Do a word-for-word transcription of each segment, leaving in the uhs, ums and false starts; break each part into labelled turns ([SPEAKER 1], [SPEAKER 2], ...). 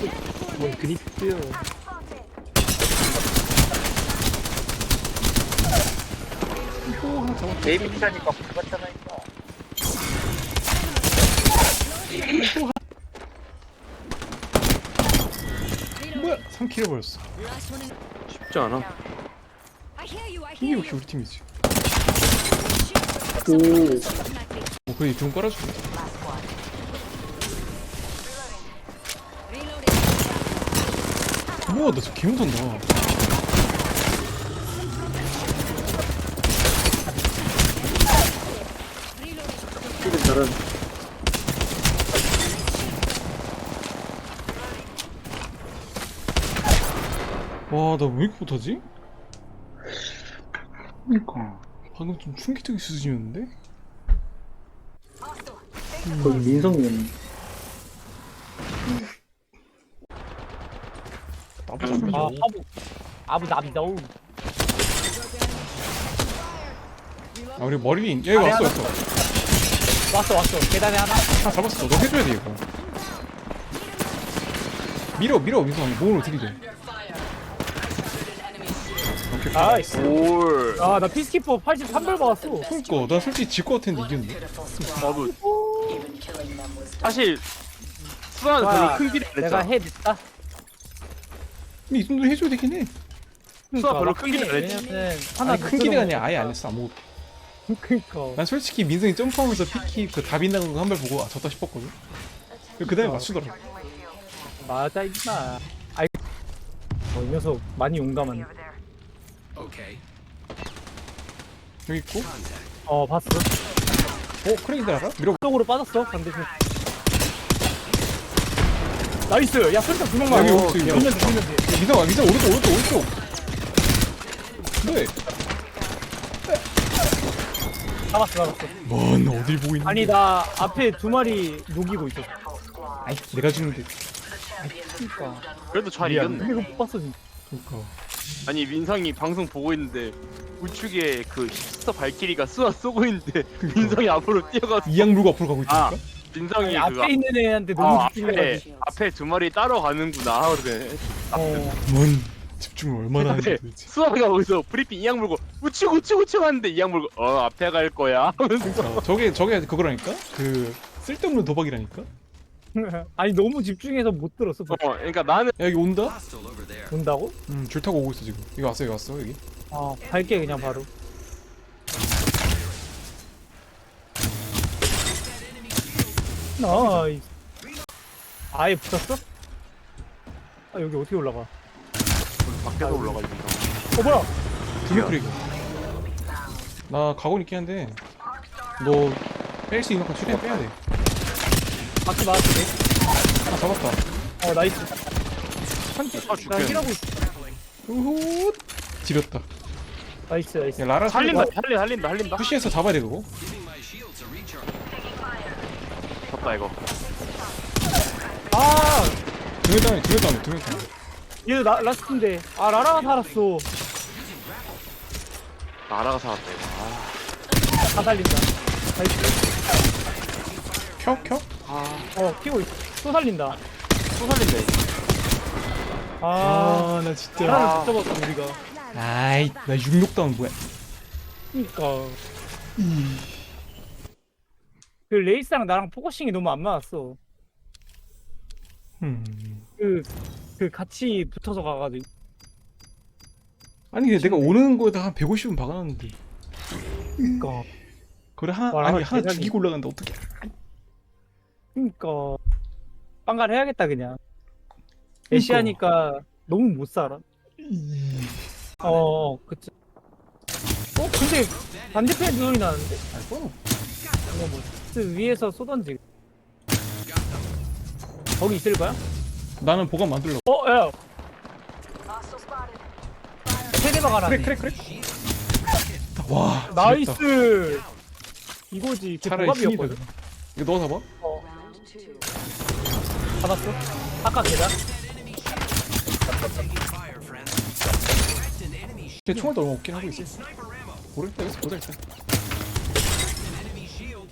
[SPEAKER 1] 뭔 그립트요.
[SPEAKER 2] 또 하나 잡았다.
[SPEAKER 3] 데이비드라니까 붙었잖아니까.
[SPEAKER 2] 뭐야? 삼 킬 해버렸어.
[SPEAKER 4] 쉽지 않아.
[SPEAKER 2] 이게 역시 우리 팀이지.
[SPEAKER 1] 오.
[SPEAKER 2] 뭐 그래 좀 깔아줄게. 우와 나 저 개무선다.
[SPEAKER 1] 이거 잘한.
[SPEAKER 2] 와나 왜 이렇게 못하지?
[SPEAKER 1] 그니까.
[SPEAKER 2] 방금 좀 충격적인 수준이었는데?
[SPEAKER 1] 거기 민성이었네.
[SPEAKER 2] 나보다 좀
[SPEAKER 5] 아,
[SPEAKER 2] 이
[SPEAKER 5] 아부 아부다비도.
[SPEAKER 2] 아 우리 머리인 얘가
[SPEAKER 5] 아래
[SPEAKER 2] 왔어
[SPEAKER 5] 하나.
[SPEAKER 2] 왔어.
[SPEAKER 5] 왔어 왔어. 계단에 하나.
[SPEAKER 2] 다 잡았어. 너 해줘야 돼 이거. 밀어 밀어 민성 몸으로 들이대. 오케이.
[SPEAKER 5] 나이스.
[SPEAKER 4] 올.
[SPEAKER 5] 아, 나 피스키퍼 팔십삼 별 받았어.
[SPEAKER 2] 그니까 난 솔직히 질 것 같았는데 이겼는데.
[SPEAKER 4] 나도 사실 수아는
[SPEAKER 5] 와,
[SPEAKER 4] 별로 큰 길이 안
[SPEAKER 5] 내가
[SPEAKER 4] 했잖아.
[SPEAKER 5] 해 냈다.
[SPEAKER 2] 근데 이 정도 해줘야 되긴 해.
[SPEAKER 4] 수아 별로 큰 길이 안 했지.
[SPEAKER 5] 그러니까 왜냐면 하나
[SPEAKER 2] 아니 큰 길이 아니야 아예 안 했어 아무것도.
[SPEAKER 5] 그니까.
[SPEAKER 2] 난 솔직히 민성이 점프하면서 피키 그 다 빗나간 거 한 발 보고 아 졌다 싶었거든. 그 다음에 맞추더라.
[SPEAKER 5] 맞아 임마. 아이. 어, 이 녀석 많이 용감한.
[SPEAKER 2] 여기 있고.
[SPEAKER 5] 어, 봤어.
[SPEAKER 2] 어 크레이들 알아? 밀어.
[SPEAKER 5] 쪽으로 빠졌어. 반대편. 나이스. 야, 설탕 두 명만.
[SPEAKER 2] 여기
[SPEAKER 5] 어,
[SPEAKER 2] 오른쪽
[SPEAKER 5] 두명 돼, 두명 돼.
[SPEAKER 2] 민성아 민성 오른쪽 오른쪽 오른쪽. 네.
[SPEAKER 5] 잡았어, 잡았어.
[SPEAKER 2] 뭔 어딜 보고 있는?
[SPEAKER 5] 아니, 나 앞에 두 마리 녹이고 있었어.
[SPEAKER 2] 아이 내가 주는데.
[SPEAKER 5] 그니까.
[SPEAKER 4] 그래도 잘
[SPEAKER 5] 미안.
[SPEAKER 4] 이겼네.
[SPEAKER 5] 이거 못 봤어, 진짜.
[SPEAKER 2] 그니까.
[SPEAKER 4] 아니 민상이 방송 보고 있는데 우측에 그 힙스터 발키리가 수아 쏘고 있는데 민상이 앞으로 뛰어가서
[SPEAKER 2] 이양 물고 앞으로 가고
[SPEAKER 4] 아
[SPEAKER 2] 있다니까.
[SPEAKER 4] 민상이
[SPEAKER 5] 아니,
[SPEAKER 4] 그
[SPEAKER 5] 앞에 있는 애한테
[SPEAKER 4] 아,
[SPEAKER 5] 너무
[SPEAKER 4] 앞에
[SPEAKER 5] 집중해가지고.
[SPEAKER 4] 앞에 두 마리 따라가는구나. 그래.
[SPEAKER 5] 어.
[SPEAKER 2] 뭔 집중을 얼마나 하는지
[SPEAKER 4] 근데
[SPEAKER 2] 도대체.
[SPEAKER 4] 수아가 거기서 브리핑 이양 물고 우측 우측 우측 하는데 이양 물고 어 앞에 갈 거야 하면서
[SPEAKER 2] 어, 저게 저게 그거라니까? 그 쓸데없는 도박이라니까? 야
[SPEAKER 5] 아니 너무 집중해서 못 들었어.
[SPEAKER 4] 어 그러니까 나는
[SPEAKER 2] 여기 온다?
[SPEAKER 5] 본다고?
[SPEAKER 2] 음, 줄 타고 오고 있어 지금. 여기 왔어 여기 왔어 여기.
[SPEAKER 5] 아, 갈게 그냥 바로. 나이스. 아예 붙었어? 아 여기 어떻게 올라가?
[SPEAKER 4] 밖에서 올라가지고
[SPEAKER 5] 어 뭐야?
[SPEAKER 2] 두개 크레이크. 나 각오는 있긴 한데 너 뺄 수 있는 건 최대한 빼야 돼.
[SPEAKER 5] 바퀴 맞았네.
[SPEAKER 2] 아 잡았다.
[SPEAKER 5] 어 나이스.
[SPEAKER 2] 한개.
[SPEAKER 4] 아
[SPEAKER 5] 나
[SPEAKER 4] 죽겠네.
[SPEAKER 5] 힐하고 있어.
[SPEAKER 2] 우후. 지렸다.
[SPEAKER 5] 나이스 나이스.
[SPEAKER 2] 야 라라
[SPEAKER 4] 살린다
[SPEAKER 2] 살린다.
[SPEAKER 4] 살린다 살린다 살린다
[SPEAKER 2] 푸시해서 잡아야 돼 그거.
[SPEAKER 4] 졌다 이거
[SPEAKER 5] 아
[SPEAKER 2] 두명 다음에 두명 다음에 두명 다음에.
[SPEAKER 5] 얘도 나 라스트인데. 아 라라가 살았어.
[SPEAKER 4] 나라가 살았다 이거 아,
[SPEAKER 5] 다 살린다. 나이스.
[SPEAKER 2] 켜 켜.
[SPEAKER 5] 어 키고 있어. 또 살린다.
[SPEAKER 4] 또 살린다 이거
[SPEAKER 5] 아.
[SPEAKER 2] 아나 진짜.
[SPEAKER 5] 라라를 못 잡았어 우리가.
[SPEAKER 2] 아이 나 육육 다운 뭐야?
[SPEAKER 5] 그니까. 그 레이스랑 나랑 포커싱이 너무 안 맞았어.
[SPEAKER 2] 음.
[SPEAKER 5] 그, 그 같이 붙어서 가가지고.
[SPEAKER 2] 아니 근데 내가 오는 거에다 한 백오십은 박아놨는데.
[SPEAKER 5] 그니까.
[SPEAKER 2] 그래 하나
[SPEAKER 5] 와,
[SPEAKER 2] 아니
[SPEAKER 5] 라라
[SPEAKER 2] 하나
[SPEAKER 5] 대단해.
[SPEAKER 2] 죽이고 올라간다 어떡해.
[SPEAKER 5] 그니까. 빵갈 해야겠다, 그냥. 애쉬하니까 너무 못 살아. 어, 그치. 어, 근데 반대편에 소리 나는데?
[SPEAKER 2] 알거?
[SPEAKER 5] 이거 뭐, 그 위에서 쏘던지. 거기 있을 거야?
[SPEAKER 2] 나는 보관 만들려고.
[SPEAKER 5] 어, 야! 세대박 하나.
[SPEAKER 2] 그래 그래 그래. 와 지렸다.
[SPEAKER 5] 나이스! 이거지. 그
[SPEAKER 2] 차라리 신이다.
[SPEAKER 5] 보갑이었거든.
[SPEAKER 2] 그냥. 이거 넣어 잡아.
[SPEAKER 5] 어. 잡았어? 아까 계단?
[SPEAKER 2] 걔 총알도 얼마 없긴 하고 있어. 모르겠다 여기서 보자 일단.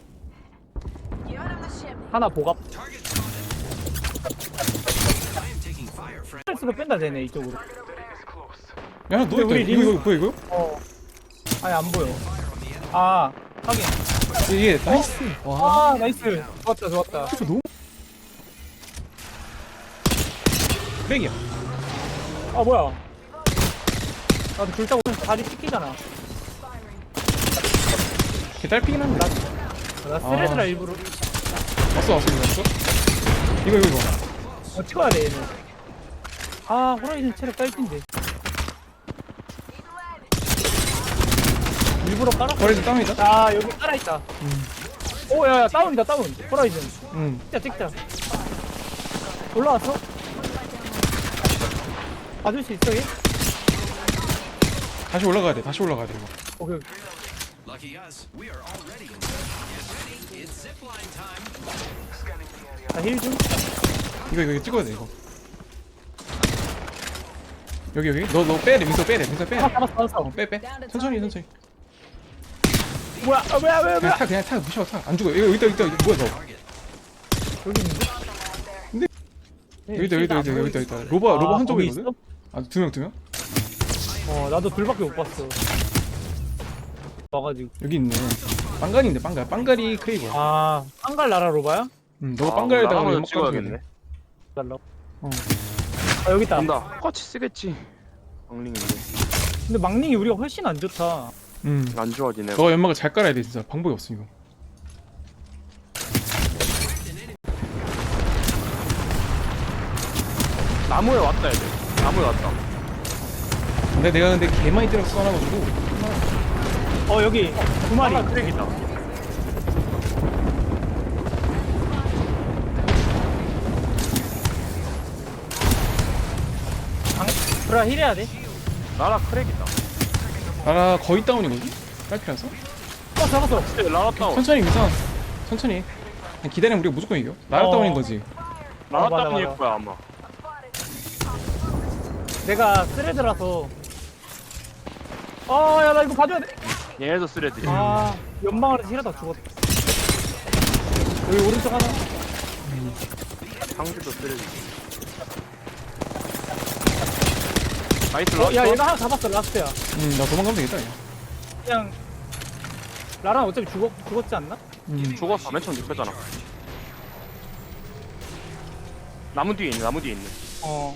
[SPEAKER 5] 하나 보갑. 스트레스가 뺀다 되네 이쪽으로.
[SPEAKER 2] 야, 너
[SPEAKER 5] 우리
[SPEAKER 2] 이거,
[SPEAKER 5] 림-
[SPEAKER 2] 이거 뭐야 이거?
[SPEAKER 5] 어. 아니 안 보여. 아 확인.
[SPEAKER 2] 이게 나이스. 와.
[SPEAKER 5] 아 나이스. 좋았다 좋았다.
[SPEAKER 2] 이거 너무. 백이야.
[SPEAKER 5] 아 뭐야? 나도 불타고 다리 찢기잖아.
[SPEAKER 2] 걔 딸피긴 한데.
[SPEAKER 5] 나 스레드라
[SPEAKER 2] 아.
[SPEAKER 5] 일부러.
[SPEAKER 2] 왔어 왔어 이거 왔어. 이거 이거 이거.
[SPEAKER 5] 어 찍어야 돼 얘는. 아 호라이즌 체력 딸핀데. 일부러 깔아.
[SPEAKER 2] 버리지 땅이다.
[SPEAKER 5] 자 여기 깔아 있다.
[SPEAKER 2] 음.
[SPEAKER 5] 오 야야 다운이다 다운. 호라이즌.
[SPEAKER 2] 응.
[SPEAKER 5] 찍자 찍자. 올라왔어? 봐줄 수 있어 얘?
[SPEAKER 2] 다시 올라가야 돼. 다시 올라가야 돼 이거.
[SPEAKER 5] 오케이.
[SPEAKER 6] Lucky us, we are already in. Get ready, it's zipline time.
[SPEAKER 5] 자힐 좀.
[SPEAKER 2] 이거 이거 찍어야 돼 이거. 여기 여기. 너 너 빼래. 민서 빼래. 민서 빼.
[SPEAKER 5] 잡았어 잡았어 잡았어.
[SPEAKER 2] 어, 빼 빼. 천천히 천천히.
[SPEAKER 5] 뭐야 아, 뭐야 뭐야
[SPEAKER 2] 그냥
[SPEAKER 5] 뭐야.
[SPEAKER 2] 타 그냥 타 무시하고 타. 안 죽어. 이거 여기 있다 여기 있다. 이거 뭐야 너?
[SPEAKER 5] 여기 있는데?
[SPEAKER 2] 근데-
[SPEAKER 5] 네,
[SPEAKER 2] 여기 있다 여기 있다 여기 있다 여기 있다 여기 있다. 로버
[SPEAKER 5] 아,
[SPEAKER 2] 로버 한
[SPEAKER 5] 거기
[SPEAKER 2] 쪽이거든. 아 두 명 두 명.
[SPEAKER 5] 어 나도 둘밖에 못 봤어. 와가지고.
[SPEAKER 2] 여기 있네. 빵갈인데 빵갈. 빵갈이 크레이버.
[SPEAKER 5] 아 한갈 나라 로바야?
[SPEAKER 2] 응. 너가 빵갈에다가
[SPEAKER 4] 나가면
[SPEAKER 2] 연막
[SPEAKER 4] 찍어야겠네.
[SPEAKER 2] 던지겠네.
[SPEAKER 5] 달라.
[SPEAKER 2] 어.
[SPEAKER 5] 아 여기 있다.
[SPEAKER 4] 간다. 똑같이 쓰겠지. 방링인데
[SPEAKER 5] 근데 막닝이 우리가 훨씬 안 좋다.
[SPEAKER 2] 응.
[SPEAKER 4] 안 좋아지네.
[SPEAKER 2] 너가 연막을 잘 깔아야 돼 진짜. 방법이 없어 이거.
[SPEAKER 4] 나무에 왔다 애들. 나무에 왔다.
[SPEAKER 2] 근데 내가 근데 개 많이 때려서 써놔가지고.
[SPEAKER 5] 어 여기 두 마리.
[SPEAKER 4] 하나 크랙이다.
[SPEAKER 5] 방 브라 힐 해야 돼.
[SPEAKER 4] 나라 크랙이다.
[SPEAKER 2] 나라 거의 다운이거든. 딸피라서.
[SPEAKER 5] 어 잡았어.
[SPEAKER 4] 진짜 나라 다운.
[SPEAKER 2] 천천히 민서. 천천히. 해. 그냥 기다리면 우리가 무조건 이겨. 나라
[SPEAKER 5] 어.
[SPEAKER 2] 다운인 거지.
[SPEAKER 4] 나라
[SPEAKER 5] 어, 맞아,
[SPEAKER 4] 다운일
[SPEAKER 5] 맞아.
[SPEAKER 4] 거야 아마.
[SPEAKER 5] 내가 스레드라서. 아야 나 이거 봐줘야 돼.
[SPEAKER 4] 얘네도 쓰레드.
[SPEAKER 5] 아 연방아래서 힐하다 죽었다. 여기 오른쪽 하나.
[SPEAKER 4] 상주도 쓰레드. 나이스
[SPEAKER 5] 어,
[SPEAKER 4] 라스트.
[SPEAKER 5] 야 얘가 하나 잡았어 라스트야.
[SPEAKER 2] 응. 나 도망가면 되겠다. 야.
[SPEAKER 5] 그냥 나랑 어차피 죽었 죽었지 않나?
[SPEAKER 2] 음.
[SPEAKER 4] 죽었어. 맨 처음 눕혔잖아. 나무 뒤에 있네. 나무 뒤에 있네.
[SPEAKER 5] 어.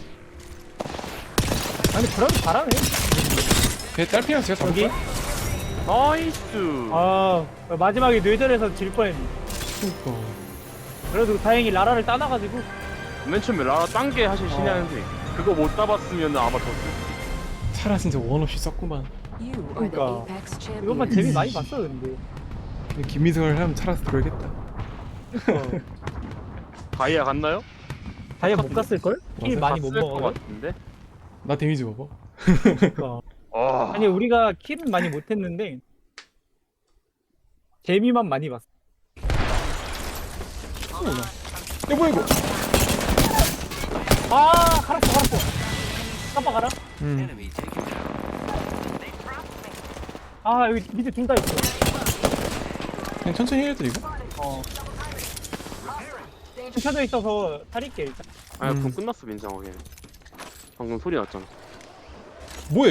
[SPEAKER 5] 아니 브라도 잘하네.
[SPEAKER 2] 걔 딸피라서 제가
[SPEAKER 5] 여기.
[SPEAKER 2] 잡을까?
[SPEAKER 4] 나이스.
[SPEAKER 5] 아 마지막에 뇌절해서 질 뻔했네.
[SPEAKER 2] 그니까.
[SPEAKER 5] 그래도 다행히 라라를 따놔가지고.
[SPEAKER 4] 맨 처음에 라라 딴게 사실 신의 한 수. 그거 못 잡았으면 아마 더.
[SPEAKER 2] 차라 진짜 원 없이 썼구만.
[SPEAKER 7] You are the
[SPEAKER 5] 그러니까
[SPEAKER 7] Apex champion.
[SPEAKER 5] 이것만 재미 많이 봤어 근데.
[SPEAKER 2] 근데 김미성을 하면 차라서 들어야겠다.
[SPEAKER 5] 어.
[SPEAKER 4] 다이아 갔나요?
[SPEAKER 5] 다이아 못 갔을 걸? 힐 많이 못
[SPEAKER 4] 갔을 것
[SPEAKER 5] 먹어.
[SPEAKER 4] 같은데.
[SPEAKER 2] 나 데미지 봐봐.
[SPEAKER 5] 그러니까.
[SPEAKER 4] 아.
[SPEAKER 5] 아니 우리가 킬은 많이 못했는데 재미만 많이 봤어.
[SPEAKER 2] 야 뭐야 이거?
[SPEAKER 5] 아 갈았어 갈았어. 깜빡 알아?
[SPEAKER 2] 음.
[SPEAKER 6] Enemy taken down.
[SPEAKER 5] 아 여기 밑에 둘 다 있어.
[SPEAKER 2] 그냥 천천히 해야 돼 이거.
[SPEAKER 5] 어. 켜져 있어서 탈릴게 일단.
[SPEAKER 4] 아니
[SPEAKER 2] 음.
[SPEAKER 4] 그럼 끝났어 민상아 걔. 방금 소리 났잖아.
[SPEAKER 2] 뭐해?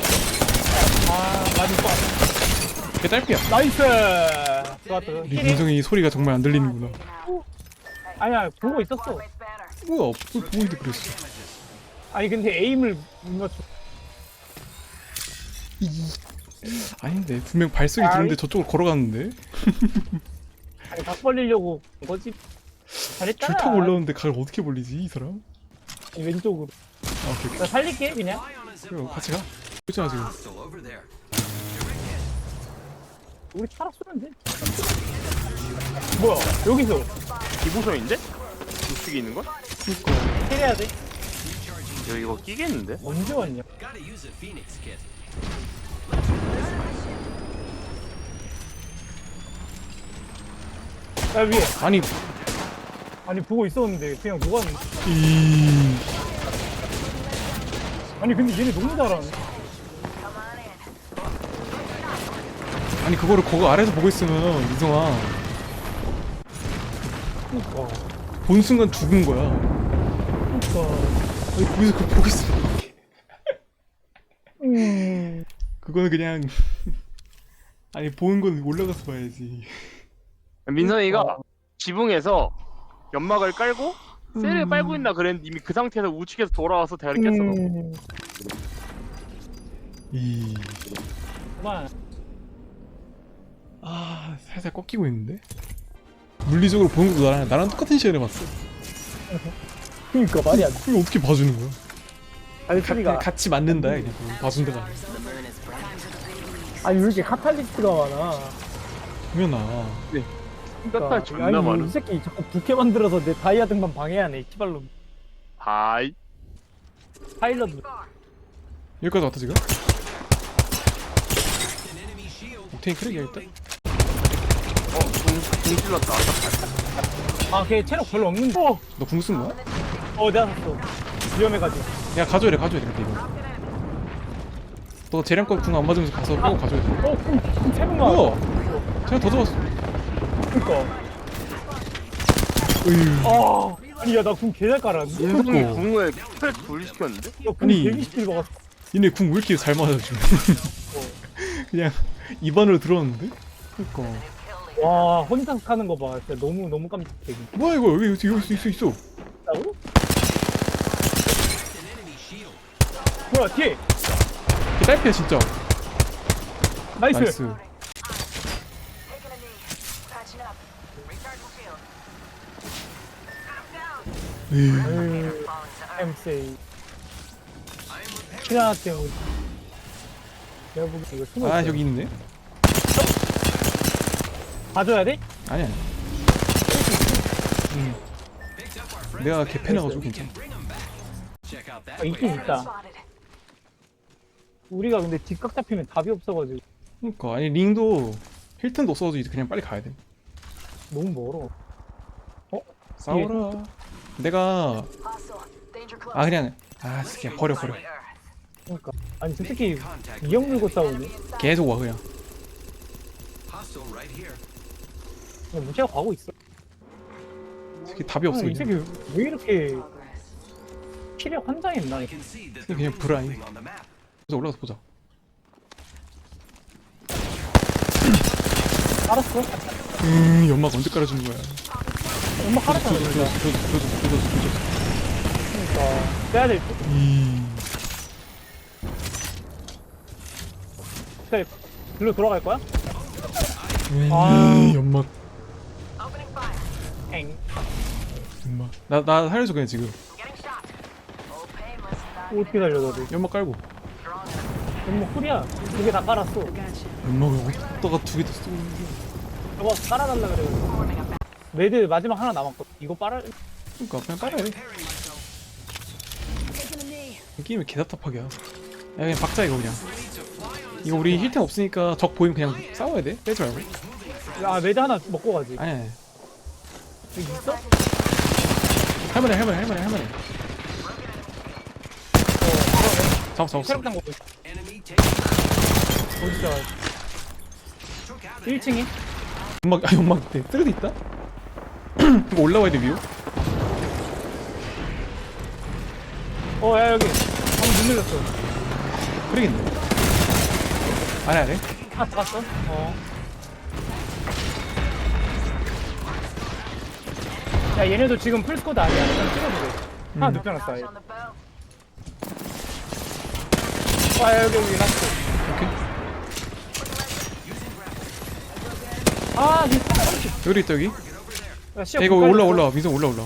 [SPEAKER 5] 아 많이 빠.
[SPEAKER 2] 걔 딸피야.
[SPEAKER 5] 나이스. 좋았다.
[SPEAKER 2] 우리
[SPEAKER 5] 킬이?
[SPEAKER 2] 민성이 소리가 정말 안 들리는구나.
[SPEAKER 5] 아니야 보고 있었어.
[SPEAKER 2] 뭐야? 뭘 보고 있는데 그랬어.
[SPEAKER 5] 아니 근데 에임을 못 맞춰.
[SPEAKER 2] 아닌데 분명 발소리 들었는데 저쪽으로 걸어갔는데
[SPEAKER 5] 아니 각 벌리려고 온 거지. 잘했잖아.
[SPEAKER 2] 줄 타고 올라오는데 각을 어떻게 벌리지 이 사람?
[SPEAKER 5] 아니, 왼쪽으로.
[SPEAKER 2] 아 오케이 오케이.
[SPEAKER 5] 나 살릴게 그냥.
[SPEAKER 2] 그래 같이 가. 있잖아 지금.
[SPEAKER 6] Hostile over there.
[SPEAKER 5] 우리 차라 쏘면 돼. 뭐야 여기서
[SPEAKER 4] 기부서인데? 우측에 있는 걸?
[SPEAKER 2] 그니까.
[SPEAKER 5] 해야 돼.
[SPEAKER 4] 야 이거 끼겠는데?
[SPEAKER 5] 언제 왔냐?
[SPEAKER 6] Gotta use a Phoenix kit.
[SPEAKER 5] 야 위에.
[SPEAKER 2] 아니
[SPEAKER 5] 아니 보고 있었는데 그냥 녹았네.
[SPEAKER 2] 이
[SPEAKER 5] 아니 근데 얘네 너무 잘하네.
[SPEAKER 2] 아니 그거를 거기 아래서 보고 있으면 민성아
[SPEAKER 5] 그니까.
[SPEAKER 2] 본 순간 죽은 거야.
[SPEAKER 5] 그니까.
[SPEAKER 2] 아니 거기서 그걸 보고 있어.
[SPEAKER 5] 음.
[SPEAKER 2] 그거는 그냥 아니 보는 건 올라가서 봐야지.
[SPEAKER 4] 민선이가 지붕에서 연막을 깔고 셀을
[SPEAKER 2] 음.
[SPEAKER 4] 빨고 있나 그랬는데 이미 그 상태에서 우측에서 돌아와서 대가리 깼어. 너.
[SPEAKER 5] 음.
[SPEAKER 2] 이.
[SPEAKER 5] 그만.
[SPEAKER 2] 아 살살 꺾이고 있는데. 물리적으로 보는 것도 나랑 나랑 똑같은 시간에 봤어.
[SPEAKER 5] 그니까 말이 안 돼.
[SPEAKER 2] 그걸 어떻게 봐주는 거야?
[SPEAKER 5] 아니
[SPEAKER 2] 가,
[SPEAKER 5] 소리가.
[SPEAKER 2] 같이 맞는다 그냥 그거 봐준다가 아니라.
[SPEAKER 5] 아니 왜 이렇게 카탈리스트가 많아?
[SPEAKER 2] 그러나
[SPEAKER 4] 카탈 존나
[SPEAKER 5] 아니
[SPEAKER 4] 많아.
[SPEAKER 5] 이 새끼 자꾸 부캐 만들어서 내 다이아 등반 방해하네. 키발로.
[SPEAKER 4] 하이.
[SPEAKER 5] 파일럿.
[SPEAKER 2] 여기까지 왔다 지금? 옥테인 크랙이야 일단?
[SPEAKER 4] 어, 공, 공 찔렀다.
[SPEAKER 5] 아걔 체력 별로 없는데. 어,
[SPEAKER 2] 너 궁 쓴 거야?
[SPEAKER 5] 어 내가 샀어. 위험해가지고.
[SPEAKER 2] 야 가져야 돼 가져야 돼 근데 이거 너 재량껏 궁 안 맞으면서 가서 빼고 가져야 돼.
[SPEAKER 5] 어, 그럼 그럼 세 번만.
[SPEAKER 2] 뭐야? 제가 더 잡았어.
[SPEAKER 5] 그니까.
[SPEAKER 2] 으유.
[SPEAKER 5] 아, 아니 야 나 궁 개잘 깔았는데.
[SPEAKER 4] 민성이
[SPEAKER 2] 그러니까.
[SPEAKER 4] 궁을 스펠 분리시켰는데?
[SPEAKER 5] 야궁
[SPEAKER 2] 아니.
[SPEAKER 5] 백이십 킬 먹었어.
[SPEAKER 2] 얘네 궁 왜 이렇게 잘 맞아 지금? 그냥 입안으로 들어왔는데? 그니까
[SPEAKER 5] 와 혼자서 하는 거 봐. 진짜 너무 너무 깜짝이야.
[SPEAKER 2] 뭐야 이거 여기 여기 여기 있어 있어.
[SPEAKER 5] 있다고? 뭐야 뒤에.
[SPEAKER 2] 이게 딸피야 진짜.
[SPEAKER 5] 나이스.
[SPEAKER 2] 나이스. 에이.
[SPEAKER 5] 엠세이. 키나 때문에. 내가 보기 이거 숨어.
[SPEAKER 2] 아
[SPEAKER 5] 있어요.
[SPEAKER 2] 여기 있네.
[SPEAKER 5] 봐줘야 돼?
[SPEAKER 2] 아니 아니. 음. 내가 개패나가지고 괜찮아.
[SPEAKER 6] Check out that
[SPEAKER 5] 아, 있긴 있다. 우리가 근데 뒷각 잡히면 답이 없어가지고
[SPEAKER 2] 그니까 아니 링도 힐튼도 없어서 이제 그냥 빨리 가야 돼.
[SPEAKER 5] 너무 멀어.
[SPEAKER 2] 싸워라. 내가 아 그냥 아 그냥 버려 버려.
[SPEAKER 5] 그러니까 아니 저 새끼 이형 물고 싸우네.
[SPEAKER 2] 계속 와 그냥.
[SPEAKER 6] hostile right here.
[SPEAKER 5] 그냥 무시하고 가고 있어.
[SPEAKER 2] 새끼 답이 없어
[SPEAKER 5] 이
[SPEAKER 2] 그냥.
[SPEAKER 5] 새끼 왜 이렇게 키력 환장했나?
[SPEAKER 6] I can see that the
[SPEAKER 2] 그냥
[SPEAKER 6] room's
[SPEAKER 2] 불안해.
[SPEAKER 6] moving on the map.
[SPEAKER 2] 그래서 올라가서 보자.
[SPEAKER 5] 알았어.
[SPEAKER 2] 음 연막 언제 깔아주는 거야?
[SPEAKER 5] 엄마 깔았잖아.
[SPEAKER 2] 조졌어
[SPEAKER 5] 그러니까.
[SPEAKER 2] 조졌어 조졌어 조졌어 조졌어.
[SPEAKER 5] 그러니까 빼야 될 듯.
[SPEAKER 2] 이
[SPEAKER 5] 그래 글로 돌아갈 거야?
[SPEAKER 2] 음,
[SPEAKER 5] 아.
[SPEAKER 2] 연막
[SPEAKER 5] 엥.
[SPEAKER 2] 연막 나나 살려줘 그냥 지금.
[SPEAKER 5] 어떻게 달려 너도?
[SPEAKER 2] 연막 깔고.
[SPEAKER 5] 엄마 쿨이야. 두 개 다 깔았어.
[SPEAKER 2] 연막을 어디다가 두 개 다 쓰고 있는 거야?
[SPEAKER 5] 저거 깔아달라 그래가지고. 레드 마지막 하나 남았거든. 이거 빨아.
[SPEAKER 2] 그니까 그냥 깔아야 돼. 이 게임이 개답답하게 야 그냥 박자 이거 그냥. 이거 우리 힐템 없으니까 적 보이면 그냥 싸워야 돼. 빼지 말고.
[SPEAKER 5] 아 레드 하나 먹고 가지.
[SPEAKER 2] 아니 아니.
[SPEAKER 5] 여기 있어?
[SPEAKER 2] 할만해 할만해 할만해 할만해. 잡았어 잡았어.
[SPEAKER 5] 체력당 먹고 있어.
[SPEAKER 6] Enemy taking
[SPEAKER 5] 어디서?
[SPEAKER 6] took out an
[SPEAKER 5] 일 층에?
[SPEAKER 2] 연막 아 연막 있대. 쓰레기 있다? 이거 올라와야 돼 위로.
[SPEAKER 5] 어, 야, 여기. 방금 눈 늘렸어.
[SPEAKER 2] 그러겠네. 아니 아니.
[SPEAKER 5] 아, 잡았어? 어. 야, 얘네도 지금 풀스코드 아니야. 그냥 찍어도 돼. 하나
[SPEAKER 2] 음.
[SPEAKER 5] 눕혀놨어, 아예. 아, 야, 여기, 여기, 라스트.
[SPEAKER 2] 오케이.
[SPEAKER 5] 아, 니 사람
[SPEAKER 2] 여기 있다 여기.
[SPEAKER 5] 야, 시야
[SPEAKER 2] 야, 이거
[SPEAKER 5] 불
[SPEAKER 2] 올라
[SPEAKER 5] 깔렸어.
[SPEAKER 2] 올라 민성 올라 올라.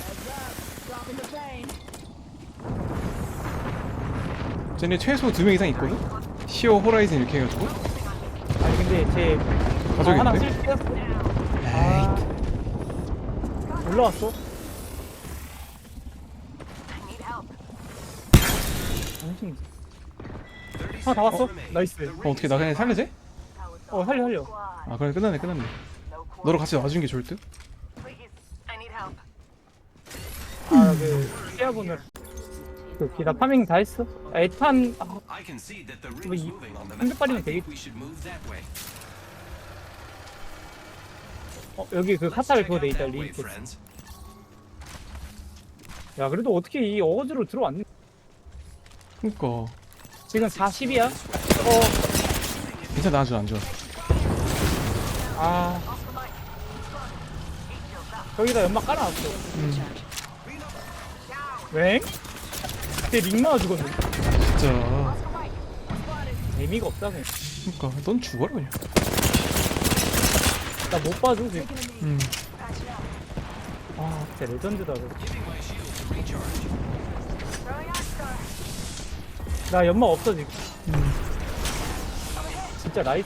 [SPEAKER 2] 쟤네 최소 두 명 이상 있거든. 시어 호라이즌 이렇게 해가지고
[SPEAKER 5] 아니, 근데 쟤. 아, 하나
[SPEAKER 2] 가져야겠는데.
[SPEAKER 5] 쓸 뺐어. 아. 올라왔어? 엄청. 하나 다 왔어? 나이스.
[SPEAKER 2] 어 어떻게 나 그냥 살려지?
[SPEAKER 5] 어, 살려, 살려.
[SPEAKER 2] 아 그래 끝났네 끝났네. 너랑 같이 놔주는 게 좋을 듯.
[SPEAKER 5] 아, 그, 시야분을. 그, 기다 파밍 다 했어? 아, 에탄, 아,
[SPEAKER 6] I can see that the
[SPEAKER 5] 뭐,
[SPEAKER 6] room's
[SPEAKER 5] 이,
[SPEAKER 6] moving on the
[SPEAKER 5] 한백
[SPEAKER 6] map.
[SPEAKER 5] 발이면
[SPEAKER 6] I think
[SPEAKER 5] 되겠,
[SPEAKER 6] we should move that way.
[SPEAKER 5] 어, 여기 그 카타를 그거 돼 있다,
[SPEAKER 6] That way,
[SPEAKER 5] 리스트.
[SPEAKER 6] friends.
[SPEAKER 5] 야 그래도 어떻게 이 어거지로 들어왔니?
[SPEAKER 2] 그니까
[SPEAKER 5] 지금 사십이야? 어.
[SPEAKER 2] 괜찮아 안 좋아 안 좋아.
[SPEAKER 5] 아. 저기다 연막 깔아놨어.
[SPEAKER 2] 음
[SPEAKER 5] 웽? 그때 링마가 죽었는데.
[SPEAKER 2] 진짜.
[SPEAKER 5] 의미가 없다 그냥.
[SPEAKER 2] 그니까 넌 죽어라 그냥.
[SPEAKER 5] 나 못 봐줘 지금.
[SPEAKER 2] 음
[SPEAKER 5] 아 진짜 레전드다 그거. 나 연막 없어 지금.
[SPEAKER 2] 음.
[SPEAKER 5] 진짜 나이스.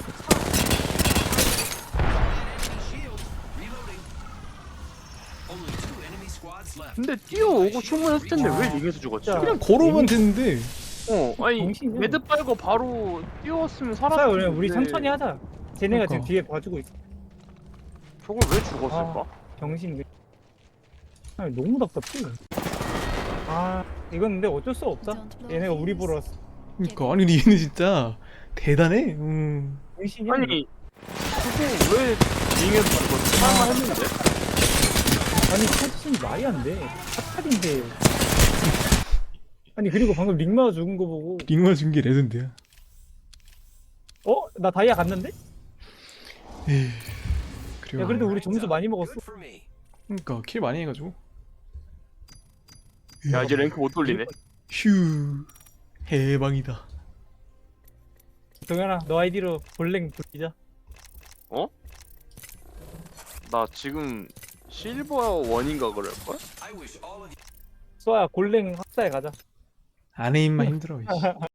[SPEAKER 6] Only two enemy squads left.
[SPEAKER 4] 근데 뛰어오고 충분했을 텐데 왜 링에서 죽었지?
[SPEAKER 5] 진짜.
[SPEAKER 2] 그냥 걸어오면 됐는데.
[SPEAKER 4] 어 아니
[SPEAKER 5] 정신이야.
[SPEAKER 4] 매드 빨고 바로 뛰어왔으면
[SPEAKER 5] 자
[SPEAKER 4] 살았을
[SPEAKER 5] 우리
[SPEAKER 4] 텐데
[SPEAKER 5] 우리 천천히 하자. 쟤네가
[SPEAKER 2] 그러니까.
[SPEAKER 5] 지금 뒤에 봐주고 있어.
[SPEAKER 4] 저걸 왜 죽었을까?
[SPEAKER 5] 정신. 아니 너무 답답해. 아 이건 근데 어쩔 수 없다. 얘네가 우리 보러 왔어.
[SPEAKER 2] 그니까 아니 근데 얘는 진짜 대단해. 음
[SPEAKER 5] 정신이야.
[SPEAKER 4] 아니 그거 왜 링에서 죽었지? 할만 했는데?
[SPEAKER 5] 아니 포지션이 말이 안 돼. 탑탑인데. 아니 그리고 방금 링마가 죽은 거 보고
[SPEAKER 2] 링마 준게 레전드야.
[SPEAKER 5] 어? 나 다이아 갔는데?
[SPEAKER 2] 에이 그리고
[SPEAKER 5] 야 그래도 우리 점수 많이 먹었어.
[SPEAKER 6] Good for me.
[SPEAKER 2] 그니까 킬 많이 해가지고.
[SPEAKER 4] 야 이제 랭크 못 돌리네.
[SPEAKER 2] 휴 해방이다.
[SPEAKER 5] 동현아 너 아이디로 볼랭 돌리자.
[SPEAKER 4] 나 지금 실버 원인가 그럴걸?
[SPEAKER 6] I wish all of you
[SPEAKER 5] 수아야 골랭 학사에 가자.
[SPEAKER 2] 안에 입만 힘들어. 이씨.